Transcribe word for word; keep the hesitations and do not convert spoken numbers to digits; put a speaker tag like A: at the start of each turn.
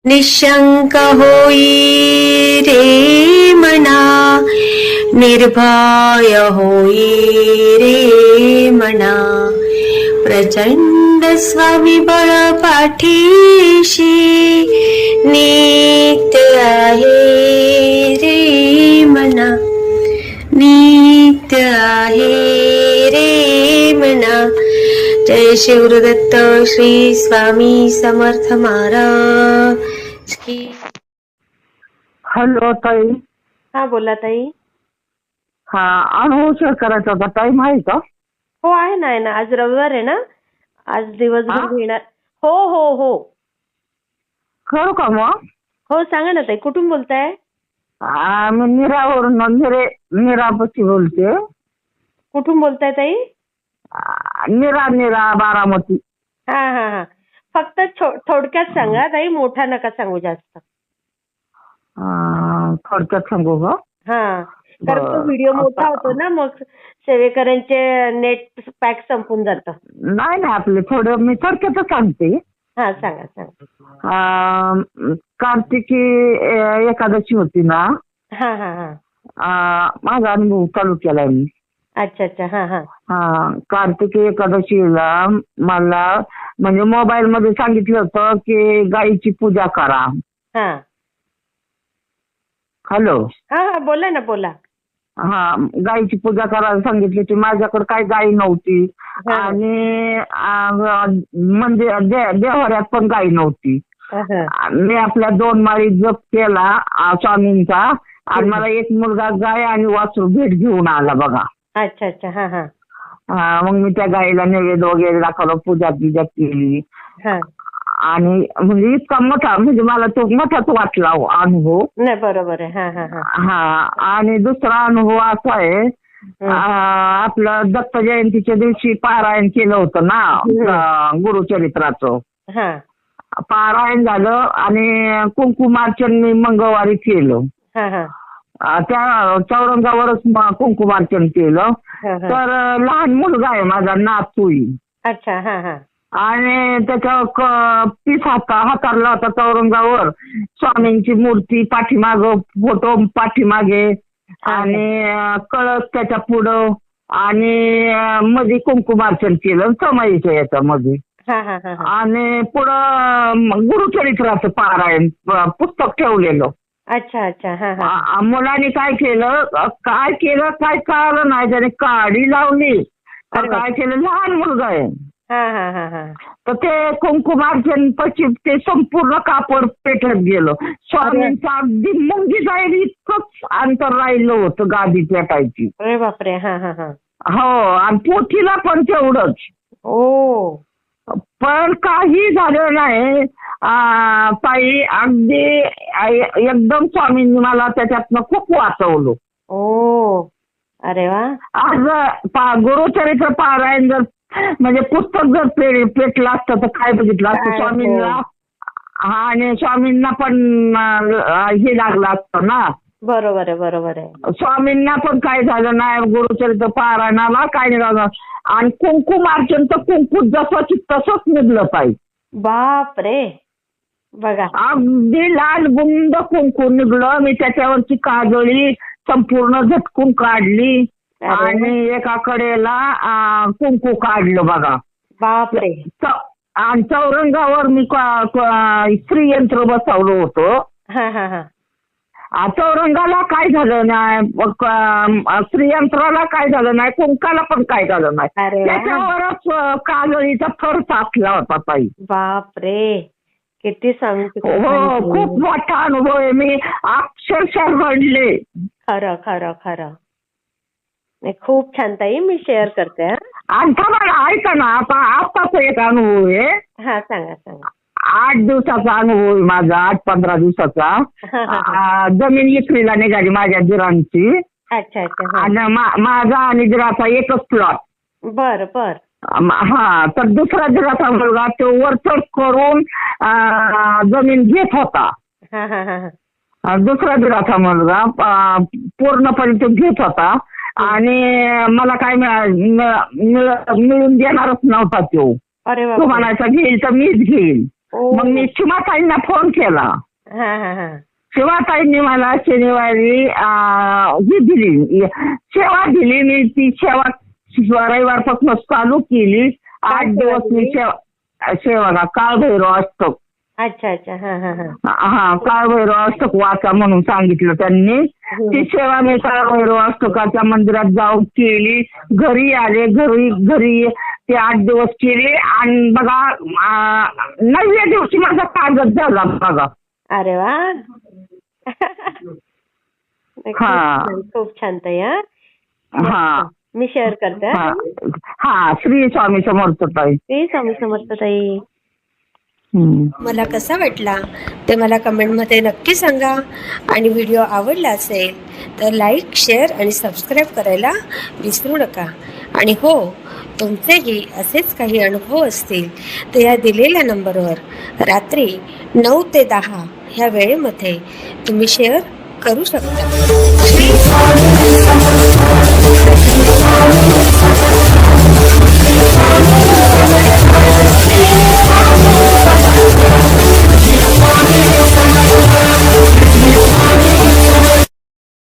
A: निशंक होई रे मना, निर्भय होई रे मना, प्रचंड स्वविबळ पाठीशी नित्य आहे रे मना, नित्य आहे रे मना. जय शिवदत्त श्री स्वामी समर्थ महाराज की.
B: हॅलो ताई.
A: हा बोला ताई.
B: हा अनुभव शेअर करायचा होता, टाइम आहे का?
A: हो आहे ना, आहे ना. आज रविवार आहे ना, आज दिवसभर
B: हा?
A: घेणार. हो हो हो
B: करू का मग?
A: हो सांगा ना ताई, कुठून बोलताय?
B: आ, मी निरावरून निरे निरापची बोलते.
A: कुठून बोलताय ताई?
B: आ, निरा निरा बारामती.
A: हा हा हा फक्त छो- थोडक्यात सांगा ताई, मोठा नका सांगू जास्त.
B: आ, थोडक्यात सांगू का?
A: हा कारण तो
B: बरं.
A: व्हिडिओ मोठा
B: आता-
A: होतो ना, मग सेवेकरांचे नेट पॅक संपून जातं.
B: नाही नाही, आपले थोडं मी थोडक्यातच सांगते.
A: हा सांगा सांगा.
B: आ, कार्तिकी ए- एकादशी होती ना,
A: हा हा हा
B: आ, माझा अनुभव चालू केलाय मी.
A: अच्छा अच्छा हा हा
B: हा कार्तिकी एकादशीला मला म्हणजे मोबाईल मध्ये सांगितलं होतं की गाईची पूजा करा.
A: हा
B: हॅलो.
A: हा हा बोला ना बोला.
B: हा गाईची पूजा करायला सांगितली की माझ्याकडे काही गाई नव्हती
A: हा.
B: आणि आ, म्हणजे दे- देव्हाऱ्यात पण गाई नव्हती.
A: हा, हा.
B: मी आपल्या दोन माळी जप केला आ, स्वामींचा, आणि मला एक मुलगा गाय आणि वासरू भेट घेऊन आला बघा.
A: अच्छा अच्छा हा हा
B: हा, मग मी त्या गाईला नैवेद्य वगैरे दाखवलं, पूजा पूजा केली.
A: हा
B: आणि म्हणजे इतका मोठा, म्हणजे मला तो मोठाच वाटला हो अनुभव.
A: नाही बरोबर आहे. हा हा हा
B: हा आणि दुसरा अनुभव असा आहे,
A: हम्म.
B: आ, आपलं दत्त जयंतीच्या दिवशी पारायण केलं होतं ना आ, गुरुचरित्राचं.
A: हा
B: पारायण झालं आणि कुंकुमार्चन मी मंगळवारी केलं.
A: हा हा
B: आ, त्या चौरंगावरच म- कुंकुमार्चन केलं.
A: हा, हा.
B: तर लहान मुलगा आहे माझा, नातूई,
A: अच्छा हा हा
B: आणि त्याच्या क- पीस हाता हातारला होता चौरंगावर. स्वामींची मूर्ती पाठीमाग, फोटो पाठीमागे, आणि अं, कळस त्याच्या पुढं, आणि अं, मध्ये कुंकुमार्चन केलं समाईच्या याच्यामध्ये.
A: हा हा हा हा
B: आणि पुढं अं, गुरुचरित्राचं पारायण प- पुस्तक ठेवलेलं.
A: अच्छा अच्छा हा हा
B: आ- मुलाने काय केलं, अ, काय केलं काय कळलं नाही, त्याने काडी लावली का
A: अरे
B: काय केलं, लहान मुलगा आहे.
A: हा हा हा हा
B: तर ते कुंकुमार्चन पश्चिम ते संपूर्ण कापड पेटत गेलं. स्वामींचं अगदी मुंगी जाईल इतकंच अंतर राहिलं होतं गादी पेटायची.
A: अरे बापरे हा हा हा
B: हो, आणि पोथीला पण तेवढंच.
A: ओ
B: पण काही झालं नाही. आ, ताई अगदी आ, एकदम स्वामींनी मला त्याच्यातनं खूप वाचवलं.
A: ओ अरे वा
B: आज पा- गुरुचरित्र पारायण जर म्हणजे पुस्तक जर पे- पेटलं असतं तर काय बघितलं असतं
A: काय
B: स्वामींना.
A: हो.
B: हा, आणि स्वामींना पण अं, हे लागलं असतं ना.
A: बरोबर आहे बरोबर आहे.
B: स्वामींना पण काय झालं नाही गुरुचरित्र पारायणाला, काय नाही झालं. आणि कुंकुमार्चन तर कुंकू जसं की तसंच निघलं पाहिजे.
A: बाप रे बघा
B: अगदी लाल बुंद कुंकू निघलं. मी त्याच्यावरची काजळी संपूर्ण झटकून काढली
A: अरे वा.
B: आणि एका कडेला अं, कुंकू काढलं बघा.
A: बाप रे
B: च- आणि चौरंगावर मी क- क- श्रीयंत्र बसवलं होतं.
A: हा हा हा
B: आ, चौरंगाला काय झालं नाही, क- श्रीयंत्राला काय झालं नाही, कुंकाला पण काय झालं नाही.
A: अरे वा.
B: त्याच्यावरच अं, काजळीचा थर साचला होता ताई.
A: बाप रे किती सांगते
B: हो, खूप मोठा अनुभव आहे. मी अक्षरशः रडले.
A: खरं खरं खरं नाही, खूप छान ताई, मी शेअर करते. हा?
B: आणि थांबा, ऐका ना, आता आताच एक अनुभव आहे.
A: हा सांगा सांगा.
B: आठ दिवसाचा अनुभव आहे माझा, आठ पंधरा दिवसाचा.
A: हा, हा, हा.
B: आ, जमीन विक्रीला निघाली माझ्या दिरांची.
A: अच्छा अच्छा हा.
B: आणि मा- माझा आणि दिराचा एकच प्लॉट.
A: बर बर
B: हा, तर दुसरा दिराचा मुलगा तो वरचढ करून आ, जमीन घेत होता.
A: हा हा हा हा.
B: आ, दुसरा दिराचा मुलगा आ, पूर्णपणे तो घेत होता. आणि मला काय मिळा- मिळ- मिळून देणारच नव्हता तो.
A: अरे
B: तो
A: बापरे.
B: म्हणायचा घेईल तर मीच घेईल.
A: ओ.
B: मग मी शिवाताईंना फोन केला.
A: हा हा हा
B: शिवाताईंनी मला शनिवारी अं, ही दिली सेवा दिली. मी ती सेवा रविवारपासून चालू केली. आठ
A: सेवा
B: दिवस मी
A: दिली?
B: सेवा सेवा काळभैरव अष्टक.
A: अच्छा अच्छा हा हा हा
B: हा काळभैरव अष्टक वाचा म्हणून सांगितलं त्यांनी. ती सेवा मी काळभैरव अष्टकाच्या मंदिरात जाऊन केली. घरी आले. घरी घरी ते आठ दिवस केली आणि बघा अं, नवव्या दिवशी माझा कागद झाला बघा.
A: अरे वा खूप
B: हा.
A: छान, खूप छान ताई. हा
B: हा
A: मी शेअर करते. हा.
B: हा हा श्री स्वामी समर्थ ताई.
A: श्री स्वामी समर्थ ताई.
B: हम्म.
C: मला कसा वाटला ते मला कमेंटमध्ये नक्की सांगा. आणि व्हिडिओ आवडला असेल तर लाईक, शेअर आणि सबस्क्राईब करायला विसरू नका. आणि हो, तुमचेही असेच काही अनुभव असतील तर या दिलेल्या नंबरवर रात्री नऊ ते दहा ह्या वेळेमध्ये तुम्ही शेअर करू शकता.